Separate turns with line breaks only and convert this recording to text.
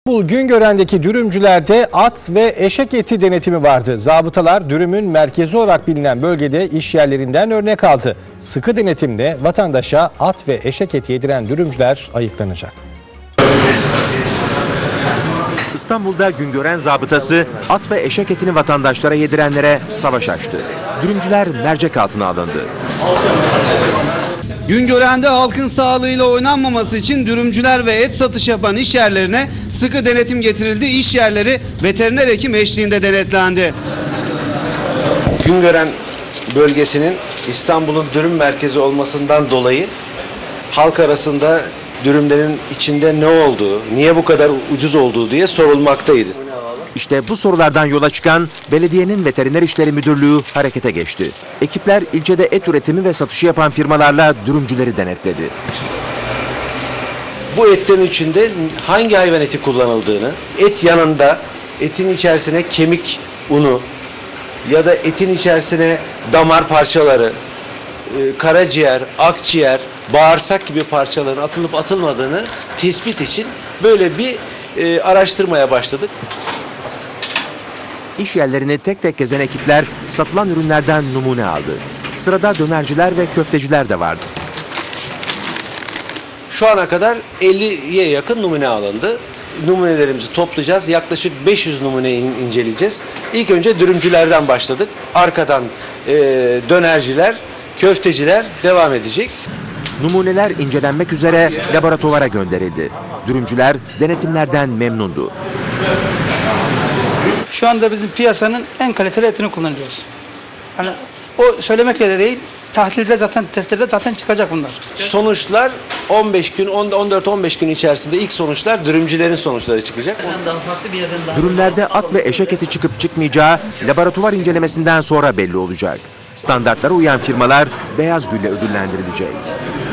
İstanbul Güngören'deki dürümcülerde at ve eşek eti denetimi vardı. Zabıtalar dürümün merkezi olarak bilinen bölgede iş yerlerinden örnek aldı. Sıkı denetimle vatandaşa at ve eşek eti yediren dürümcüler ayıklanacak.
İstanbul'da Güngören zabıtası at ve eşek etini vatandaşlara yedirenlere savaş açtı. Dürümcüler mercek altına alındı.
Güngören'de halkın sağlığıyla oynanmaması için dürümcüler ve et satış yapan iş yerlerine sıkı denetim getirildi. İş yerleri veteriner hekim eşliğinde denetlendi.
Güngören bölgesinin İstanbul'un dürüm merkezi olmasından dolayı halk arasında dürümlerin içinde ne olduğu, niye bu kadar ucuz olduğu diye sorulmaktaydı.
İşte bu sorulardan yola çıkan belediyenin Veteriner İşleri Müdürlüğü harekete geçti. Ekipler ilçede et üretimi ve satışı yapan firmalarla dürümcüleri denetledi.
Bu etlerin içinde hangi hayvan eti kullanıldığını, et yanında etin içerisine kemik unu ya da etin içerisine damar parçaları, karaciğer, akciğer, bağırsak gibi parçaların atılıp atılmadığını tespit için böyle bir araştırmaya başladık.
İş yerlerini tek tek gezen ekipler satılan ürünlerden numune aldı. Sırada dönerciler ve köfteciler de vardı.
Şu ana kadar 50'ye yakın numune alındı. Numunelerimizi toplayacağız. Yaklaşık 500 numuneyi inceleyeceğiz. İlk önce dürümcülerden başladık. Arkadan dönerciler, köfteciler devam edecek.
Numuneler incelenmek üzere laboratuvara gönderildi. Dürümcüler denetimlerden memnundu.
Şu anda bizim piyasanın en kaliteli etini kullanıyoruz. Yani o söylemekle de değil, tahlilde zaten, testlerde zaten çıkacak bunlar.
Sonuçlar 15 gün, 14-15 gün içerisinde ilk sonuçlar dürümcülerin sonuçları çıkacak.
Dürümlerde at ve eşek eti çıkıp çıkmayacağı laboratuvar incelemesinden sonra belli olacak. Standartlara uyan firmalar beyaz gülle ödüllendirilecek.